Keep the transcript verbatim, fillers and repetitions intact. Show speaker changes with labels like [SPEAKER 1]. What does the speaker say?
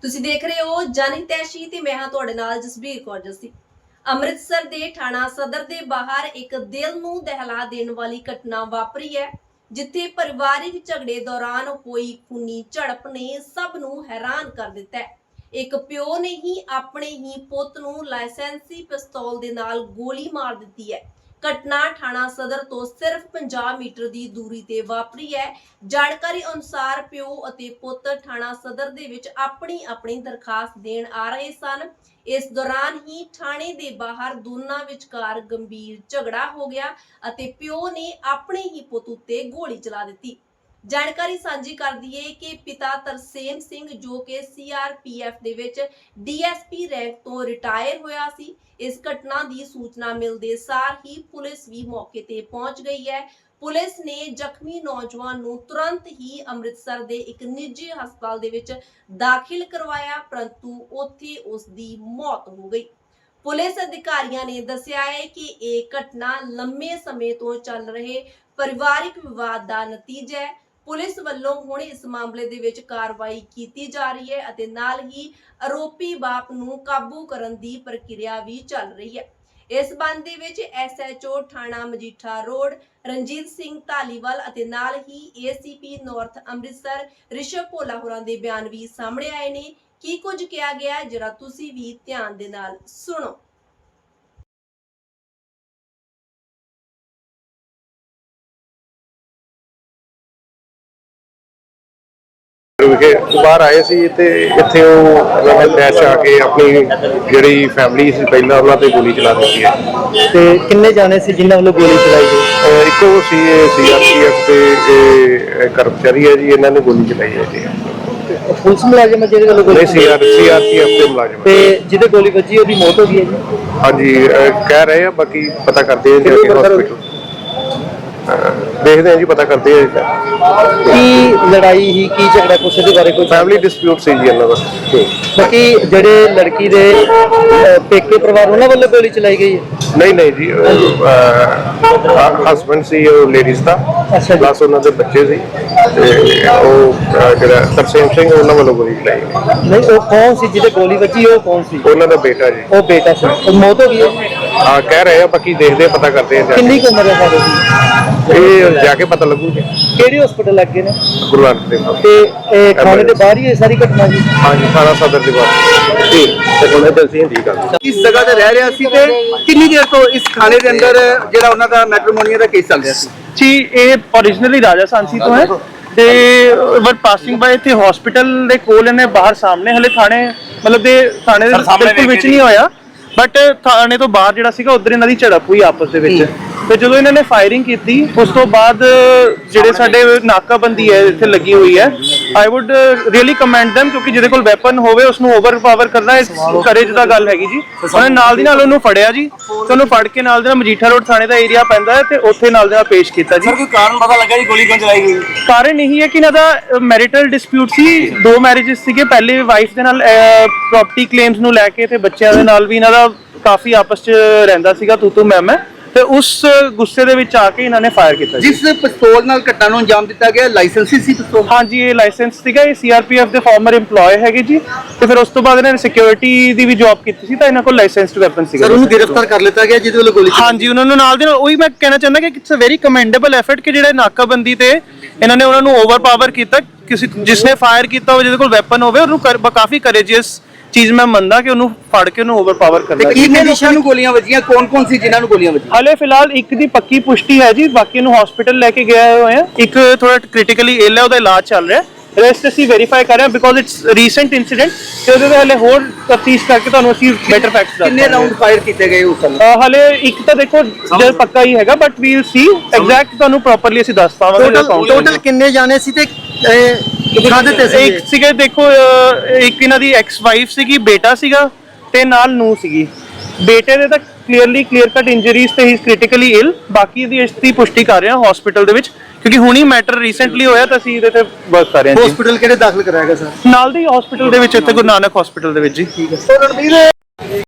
[SPEAKER 1] ਤੁਸੀਂ ਦੇਖ ਰਹੇ ਹੋ ਜਨਹਿਤੈਸ਼ੀ ਤੇ ਮੈਂ ਹਾਂ ਤੁਹਾਡੇ ਨਾਲ ਜਸਬੀਰ ਕੌਰ ਜੱਸੀ। ਅੰਮ੍ਰਿਤਸਰ ਦੇ ਥਾਣਾ ਸਦਰ ਦੇ ਬਾਹਰ ਇੱਕ ਦਿਲ ਨੂੰ ਦਹਿਲਾ ਦੇਣ ਵਾਲੀ ਘਟਨਾ ਵਾਪਰੀ ਹੈ, ਜਿੱਥੇ ਪਰਿਵਾਰਿਕ ਝਗੜੇ ਦੌਰਾਨ ਹੋਈ ਖੂਨੀ ਝੜਪ ਨੇ ਸਭ ਨੂੰ ਹੈਰਾਨ ਕਰ ਦਿੱਤਾ ਹੈ। ਇੱਕ ਪਿਓ ਨੇ ਹੀ ਆਪਣੇ ਹੀ ਪੁੱਤ ਨੂੰ ਲਾਇਸੈਂਸੀ ਪਿਸਤੌਲ ਦੇ ਨਾਲ ਗੋਲੀ ਮਾਰ ਦਿੱਤੀ ਹੈ। ਘਟਨਾ ਥਾਣਾ ਸਦਰ ਤੋਂ ਸਿਰਫ ਪੰਜਾਹ ਮੀਟਰ ਦੀ ਦੂਰੀ ਤੇ ਵਾਪਰੀ ਹੈ। ਜਾਣਕਾਰੀ ਅਨੁਸਾਰ ਪਿਓ ਅਤੇ ਪੁੱਤ ਥਾਣਾ ਸਦਰ ਦੇ ਵਿੱਚ ਆਪਣੀ ਆਪਣੀ ਦਰਖਾਸਤ ਦੇਣ ਆ ਰਹੇ ਸਨ। ਇਸ ਦੌਰਾਨ ਹੀ ਥਾਣੇ ਦੇ ਬਾਹਰ ਦੋਨਾਂ ਵਿਚਕਾਰ ਗੰਭੀਰ ਝਗੜਾ ਹੋ ਗਿਆ ਅਤੇ ਪਿਓ ਨੇ ਆਪਣੇ ਹੀ ਪੁੱਤ ਉੱਤੇ ਗੋਲੀ ਚਲਾ ਦਿੱਤੀ। ਜਾਣਕਾਰੀ ਸਾਂਝੀ ਕਰ ਦਈਏ ਕਿ ਪਿਤਾ ਤਰਸੇਮ ਸਿੰਘ ਜੋ ਕਿ ਸੀ ਆਰ ਪੀ ਐਫ ਦੇ ਵਿੱਚ ਡੀ ਐਸ ਪੀ ਰੈਂਕ ਤੋਂ ਰਿਟਾਇਰ ਹੋਇਆ ਸੀ। ਇਸ ਘਟਨਾ ਦੀ ਸੂਚਨਾ ਮਿਲਦੇ ਸਾਰ ਹੀ ਪੁਲਿਸ ਵੀ ਮੌਕੇ ਤੇ ਪਹੁੰਚ ਗਈ ਹੈ। ਪੁਲਿਸ ਨੇ ਜ਼ਖਮੀ ਨੌਜਵਾਨ ਨੂੰ ਤੁਰੰਤ ਹੀ ਅੰਮ੍ਰਿਤਸਰ ਦੇ ਇੱਕ ਨਿੱਜੀ ਹਸਪਤਾਲ ਦੇ ਵਿੱਚ ਦਾਖਲ ਕਰਵਾਇਆ, ਪਰੰਤੂ ਉੱਥੇ ਉਸ ਦੀ ਮੌਤ ਹੋ ਗਈ। ਪੁਲਿਸ ਅਧਿਕਾਰੀਆਂ ਨੇ ਦੱਸਿਆ ਹੈ ਕਿ ਇਹ ਘਟਨਾ ਲੰਮੇ ਸਮੇਂ ਤੋਂ ਚੱਲ ਰਹੇ ਪਰਿਵਾਰਿਕ ਵਿਵਾਦ ਦਾ ਨਤੀਜਾ ਹੈ। ਪੁਲਿਸ ਵੱਲੋਂ ਹੁਣ ਇਸ ਮਾਮਲੇ ਦੇ ਵਿੱਚ ਕਾਰਵਾਈ ਕੀਤੀ ਜਾ ਰਹੀ ਹੈ ਅਤੇ ਨਾਲ ਹੀ ਆਰੋਪੀ ਬਾਪ ਨੂੰ ਕਾਬੂ ਕਰਨ ਦੀ ਪ੍ਰਕਿਰਿਆ ਵੀ ਚੱਲ ਰਹੀ ਹੈ। ਇਸ ਸੰਬੰਧ ਦੇ ਵਿੱਚ ਐਸ ਐਚ ਓ ਥਾਣਾ ਮਜੀਠਾ ਰੋਡ ਰਣਜੀਤ ਸਿੰਘ ਧਾਲੀਵਾਲ ਅਤੇ ਨਾਲ ਹੀ ਏ ਸੀ ਪੀ ਨਾਰਥ ਅੰਮ੍ਰਿਤਸਰ ਰਿਸ਼ਵ ਭੋਲਾ ਹੋਰਾਂ ਦੇ ਬਿਆਨ ਵੀ ਸਾਹਮਣੇ ਆਏ ਨੇ। ਕੀ ਕੁਝ ਕਿਹਾ ਗਿਆ ਜਰਾ ਤੁਸੀਂ ਵੀ ਧਿਆਨ ਦੇ ਨਾਲ ਸੁਣੋ।
[SPEAKER 2] ਵਿਖੇ ਬਾਹਰ ਆਏ ਸੀ ਤੇ ਇੱਥੇ ਉਹ ਡੈਸ਼ ਆ ਕੇ ਆਪਣੀ ਜਿਹੜੀ ਫੈਮਿਲੀ ਸੀ ਪਹਿਲਾਂ ਉਹਨਾਂ ਤੇ ਗੋਲੀ ਚਲਾ ਦਿੱਤੀ ਹੈ।
[SPEAKER 3] ਤੇ ਕਿੰਨੇ ਜਾਣੇ ਸੀ ਜਿਨ੍ਹਾਂ ਵੱਲੋਂ ਗੋਲੀ ਚਲਾਈ ਗਈ?
[SPEAKER 2] ਇੱਕੋ ਸੀ ਸੀ ਆਰ ਪੀ ਐਫ ਦੇ ਕਰਮਚਾਰੀ ਹੈ ਜੀ, ਇਹਨਾਂ ਨੇ ਗੋਲੀ ਚਲਾਈ ਹੈ ਜੀ।
[SPEAKER 3] ਪੁਲਿਸ ਮੁਲਾਜ਼ਮ ਹੈ ਜਿਹਦੇ ਵੱਲੋਂ ਗੋਲੀ?
[SPEAKER 2] ਨਹੀਂ, C R C R P F ਦੇ ਮੁਲਾਜ਼ਮ।
[SPEAKER 3] ਤੇ ਜਿਹਦੇ ਗੋਲੀ ਵੱਜੀ ਉਹਦੀ ਮੌਤ ਹੋ ਗਈ ਹੈ ਜੀ?
[SPEAKER 2] ਹਾਂਜੀ, ਕਹਿ ਰਹੇ ਆ, ਬਾਕੀ ਪਤਾ ਕਰਦੇ ਆ ਜੀ ਹਸਪੀਟਲ ਦੇਖਦੇ ਆ ਜੀ, ਪਤਾ ਕਰਦੇ ਆ
[SPEAKER 3] ਕੀ ਲੜਾਈ ਹੀ ਕੀ ਝਗੜਾ ਕੁਛ ਦੇ ਬਾਰੇ ਕੋਈ?
[SPEAKER 2] ਫੈਮਿਲੀ ਡਿਸਪਿਊਟ ਸੀ ਜੀ ਇਹਨਾਂ ਦਾ।
[SPEAKER 3] ਬਾਕੀ ਜਿਹੜੇ ਲੜਕੀ ਦੇ ਪੇਕੇ ਪਰਿਵਾਰ ਉਹਨਾਂ ਵੱਲੋਂ ਗੋਲੀ ਚਲਾਈ ਗਈ ਹੈ?
[SPEAKER 2] ਨਹੀਂ ਨਹੀਂ ਜੀ, ਹਸਬੈਂਡ ਸੀ ਉਹ ਲੇਡੀਜ਼ ਦਾ, ਪਲੱਸ ਉਹਨਾਂ ਦੇ ਬੱਚੇ ਸੀ ਤੇ ਉਹ ਜਿਹੜਾ ਤਰਸੇਮ ਸਿੰਘ ਉਹਨਾਂ ਵੱਲੋਂ ਗੋਲੀ ਚਲਾਈ ਗਈ।
[SPEAKER 3] ਨਹੀਂ, ਉਹ ਕੌਣ ਸੀ ਜਿਹਦੇ ਗੋਲੀ ਵੱਜੀ? ਉਹ ਕੌਣ ਸੀ?
[SPEAKER 2] ਉਹਨਾਂ ਦਾ ਬੇਟਾ ਜੀ।
[SPEAKER 3] ਉਹ ਬੇਟਾ ਸੀ, ਉਹ ਮੌਤ ਹੋ ਗਈ ਹੈ?
[SPEAKER 2] ਹਾਂ, ਕਹਿ ਰਹੇ ਆ, ਬਾਕੀ ਦੇਖਦੇ ਆ, ਪਤਾ ਕਰਦੇ ਆ।
[SPEAKER 3] ਕਿੰਨੀ ਕੁ ਉਮਰ ਹੈ ਸਾਡੇ ਦੀ?
[SPEAKER 2] ਇਹ ਜਾ ਕੇ ਪਤਾ ਲੱਗੂ ਜੀ।
[SPEAKER 3] ਕਿਹੜੇ ਹਸਪੀਟਲ ਲੱਗੇ ਨੇ?
[SPEAKER 2] ਗੁਰੂ ਨਾਨਕ ਦੇਵ।
[SPEAKER 3] ਤੇ ਇਹ ਥਾਣੇ ਦੇ ਬਾਹਰ ਹੀ ਇਹ ਸਾਰੀ ਘਟਨਾ ਜੀ?
[SPEAKER 2] ਹਾਂਜੀ, ਥਾਣਾ ਸਦਰ ਦੇ ਬਾਹਰ। ਠੀਕ ਤੇ ਕੋਲੇ ਦਲਸੀ ਹੁੰਦੀ ਗੱਲ।
[SPEAKER 4] ਇਸ ਜਗ੍ਹਾ ਤੇ ਰਹਿ ਰਿਹਾ ਸੀ ਤੇ ਕਿੰਨੀ ਦੇਰ ਤੋਂ ਇਸ ਥਾਣੇ ਦੇ ਅੰਦਰ ਜਿਹੜਾ ਉਹਨਾਂ ਦਾ ਮੈਟਰੀਮੋਨੀਆ ਦਾ ਕੇਸ ਚੱਲ ਰਿਹਾ ਸੀ?
[SPEAKER 5] ਜੀ, ਇਹ ਓਰੀਜਨਲੀ ਰਾਜਾ ਸਾਂਸੀ ਤੋਂ ਹੈ ਤੇ ਵਰ ਪਾਸਿੰਗ ਬਾਏ ਇੱਥੇ ਹਸਪੀਟਲ ਦੇ ਕੋਲ ਇਹਨੇ ਬਾਹਰ ਸਾਹਮਣੇ ਹਲੇ ਥਾਣੇ ਮਤਲਬ ਦੇ ਥਾਣੇ ਦੇ ਬਿਲਕੁਲ ਵਿੱਚ ਨਹੀਂ ਹੋਇਆ, ਬਟ ਥਾਣੇ ਤੋਂ ਬਾਹਰ ਜਿਹੜਾ ਸੀਗਾ ਉਧਰ ਇਹਨਾਂ ਦੀ ਝੜਪ ਹੋਈ ਆਪਸ ਦੇ ਵਿੱਚ। ਤੇ ਜਦੋਂ ਇਹਨਾਂ ਨੇ ਫਾਇਰਿੰਗ ਕੀਤੀ ਉਸ ਤੋਂ ਬਾਅਦ ਜਿਹੜੇ ਸਾਡੇ ਨਾਕਾਬੰਦੀ ਹੈ ਇੱਥੇ ਲੱਗੀ ਹੋਈ ਹੈ, I would really commend them, ਕਿਉਂਕਿ ਜਿਹਦੇ ਕੋਲ ਵੈਪਨ ਹੋਵੇ ਉਸਨੂੰ ਓਵਰਪਾਵਰ ਕਰਨਾ ਕਰੇਜ ਦਾ ਗੱਲ ਹੈਗੀ ਜੀ। ਉਹਨੇ ਨਾਲ ਦੀ ਨਾਲ ਉਹਨੂੰ ਫੜਿਆ ਜੀ, ਤੇ ਉਹਨੂੰ ਫੜ ਕੇ ਨਾਲ ਦੇ ਨਾਲ ਮਜੀਠਾ ਰੋਡ ਥਾਣੇ ਦਾ ਏਰੀਆ ਪੈਂਦਾ ਹੈ ਤੇ ਉੱਥੇ ਨਾਲ ਦੇ ਨਾਲ ਪੇਸ਼ ਕੀਤਾ ਜੀ।
[SPEAKER 4] ਕੋਈ ਕਾਰਨ ਪਤਾ ਲੱਗਾ ਜੀ ਗੋਲੀ ਕਿਉਂ ਚਲਾਈ ਗਈ?
[SPEAKER 5] ਕਾਰਨ ਇਹੀ ਹੈ ਕਿ ਇਹਨਾਂ ਦਾ ਮੈਰਿਟਲ ਡਿਸਪਿਊਟ ਸੀ, ਦੋ ਮੈਰਿਜਸ ਸੀਗੇ। ਪਹਿਲੇ ਵਾਈਫ ਦੇ ਨਾਲ ਪ੍ਰੋਪਰਟੀ ਕਲੇਮਸ ਨੂੰ ਲੈ ਕੇ ਤੇ ਬੱਚਿਆਂ ਦੇ ਨਾਲ ਵੀ ਇਹਨਾਂ ਦਾ ਕਾਫੀ ਆਪਸ ਚ ਰਹਿੰਦਾ ਸੀਗਾ, ਤੂੰ ਤੂੰ ਮੈਂ ਮੈਂ, ਤੇ ਉਸ ਗੁੱਸੇ ਦੇ ਵਿੱਚ ਆ ਕੇ ਇਹਨਾਂ ਨੇ ਫਾਇਰ ਕੀਤਾ।
[SPEAKER 4] ਜਿਸ ਪਿਸਤੌਲ ਨਾਲ ਘਟਨਾ ਨੂੰ ਅੰਜਾਮ ਦਿੱਤਾ ਗਿਆ ਲਾਇਸੈਂਸੀ ਸੀ ਪਿਸਤੌਲ?
[SPEAKER 5] ਹਾਂਜੀ, ਇਹ ਲਾਇਸੈਂਸ ਸੀਗਾ। ਇਹ ਸੀ ਆਰ ਪੀ ਐਫ ਦੇ ਫਾਰਮਰ EMPLOYE ਹੈਗੇ ਜੀ, ਤੇ ਫਿਰ ਉਸ ਤੋਂ ਬਾਅਦ ਇਹਨਾਂ ਨੇ ਸਿਕਿਉਰਿਟੀ ਦੀ ਵੀ ਜੌਬ ਕੀਤੀ ਸੀ ਤਾਂ ਇਹਨਾਂ ਕੋਲ ਲਾਇਸੈਂਸਡ ਵੈਪਨ ਸੀਗਾ।
[SPEAKER 4] ਸਰ, ਉਹਨੂੰ ਗ੍ਰਿਫਤਾਰ ਕਰ ਲਿੱਤਾ ਗਿਆ ਜਿਹਦੇ ਵੱਲੋਂ ਗੋਲੀ?
[SPEAKER 5] ਹਾਂਜੀ, ਉਹਨਾਂ ਨੂੰ ਨਾਲ ਦੇ ਨਾਲ ਉਹੀ ਮੈਂ ਕਹਿਣਾ ਚਾਹੁੰਦਾ ਕਿ it's a very commendable effort ਕਿ ਜਿਹੜੇ ਨਾਕਾਬੰਦੀ ਤੇ ਇਹਨਾਂ ਨੇ ਉਹਨਾਂ ਨੂੰ ਓਵਰਪਾਵਰ ਕੀਤਾ। ਕਿਸੇ ਜਿਸਨੇ ਫਾਇਰ ਕੀਤਾ ਹੋਵੇ, ਜਿਹਦੇ ਕੋਲ ਵੈਪਨ ਹੋਵੇ, ਉਹਨੂੰ ਕਾਫੀ ਕਰੇਜੀਅਸ ਚੀਜ਼ ਮੈਂ ਮੰਨਦਾ ਕਿ ਉਹਨੂੰ ਫੜ ਕੇ ਉਹਨੂੰ ਓਵਰਪਾਵਰ ਕਰਨਾ।
[SPEAKER 4] ਕਿੰਨੇ ਲੋਕਾਂ ਨੂੰ ਗੋਲੀਆਂ ਵੱਜੀਆਂ? ਕੌਣ-ਕੌਣ ਸੀ ਜਿਨ੍ਹਾਂ ਨੂੰ ਗੋਲੀਆਂ ਵੱਜੀਆਂ?
[SPEAKER 5] ਹਾਲੇ ਫਿਲਹਾਲ ਇੱਕ ਦੀ ਪੱਕੀ ਪੁਸ਼ਟੀ ਹੈ ਜੀ, ਬਾਕੀ ਨੂੰ ਹਸਪੀਟਲ ਲੈ ਕੇ ਗਏ ਹੋਏ ਆ। ਇੱਕ ਥੋੜਾ ਕ੍ਰਿਟੀਕਲੀ ਇਲ ਹੈ, ਉਹਦਾ ਇਲਾਜ ਚੱਲ ਰਿਹਾ। ਰੈਸਟ ਅਸੀਂ ਵੈਰੀਫਾਈ ਕਰ ਰਹੇ ਹਾਂ ਬਿਕੋਜ਼ ਇਟਸ ਰੀਸੈਂਟ ਇਨਸੀਡੈਂਟ, ਤੇ ਉਹਦੇ ਤੇ ਹਲੇ ਹੋਰ ਤਫਤੀਸ਼ ਕਰਕੇ ਤੁਹਾਨੂੰ ਅਸੀਂ ਬੈਟਰ ਫੈਕਟਸ ਦੱਸਾਂਗੇ।
[SPEAKER 4] ਕਿੰਨੇ ਰਾਉਂਡ ਫਾਇਰ ਕੀਤੇ ਗਏ ਉਸ ਸਮੇਂ?
[SPEAKER 5] ਹਲੇ ਇੱਕ ਤਾਂ ਦੇਖੋ ਜਦ ਪੱਕਾ ਹੀ ਹੈਗਾ, but we will see exact, ਤੁਹਾਨੂੰ ਪ੍ਰੋਪਰਲੀ ਅਸੀਂ ਦੱਸ ਪਾਵਾਂਗੇ।
[SPEAKER 3] ਟੋਟਲ ਕਿੰਨੇ ਜਾਣੇ ਸੀ ਤੇ ਕਾਹਦੇ ਤੇ ਸੀ?
[SPEAKER 5] ਇੱਕ ਸੀਗੇ ਦੇਖੋ, ਇੱਕ ਇਹਨਾਂ ਦੀ ਐਕਸ ਵਾਈਫ ਸੀਗੀ, ਬੇਟਾ ਸੀਗਾ ਤੇ ਨਾਲ ਨੂੰ ਸੀਗੀ। ਬੇਟੇ ਦੇ ਤਾਂ ਕਲੀਅਰਲੀ ਕਲੀਅਰ ਕੱਟ ਇੰਜਰੀਜ਼ ਤੇ ਹੀ ਇਜ਼ ਕ੍ਰਿਟੀਕਲੀ ਇਲ। ਬਾਕੀ ਦੀ ਇਸ ਦੀ ਪੁਸ਼ਟੀ ਕਰ ਰਹੇ ਹਾਂ ਹਸਪੀਟਲ ਦੇ ਵਿੱਚ, ਕਿਉਂਕਿ ਹੁਣੀ ਮੈਟਰ ਰੀਸੈਂਟਲੀ ਹੋਇਆ ਤਾਂ ਅਸੀਂ ਇਹਦੇ ਤੇ ਵਰਕ ਕਰ ਰਹੇ ਹਾਂ।
[SPEAKER 4] ਹਸਪੀਟਲ ਕਿਹੜੇ ਦਾਖਲ ਕਰਾਇਆ ਗਿਆ ਸਰ?
[SPEAKER 5] ਨਾਲ ਦੀ ਹਸਪੀਟਲ ਦੇ ਵਿੱਚ, ਇੱਥੇ ਗੁਰੂ ਨਾਨਕ ਹਸਪੀਟਲ ਦੇ ਵਿੱਚ ਜੀ।
[SPEAKER 4] ਠੀਕ ਹੈ।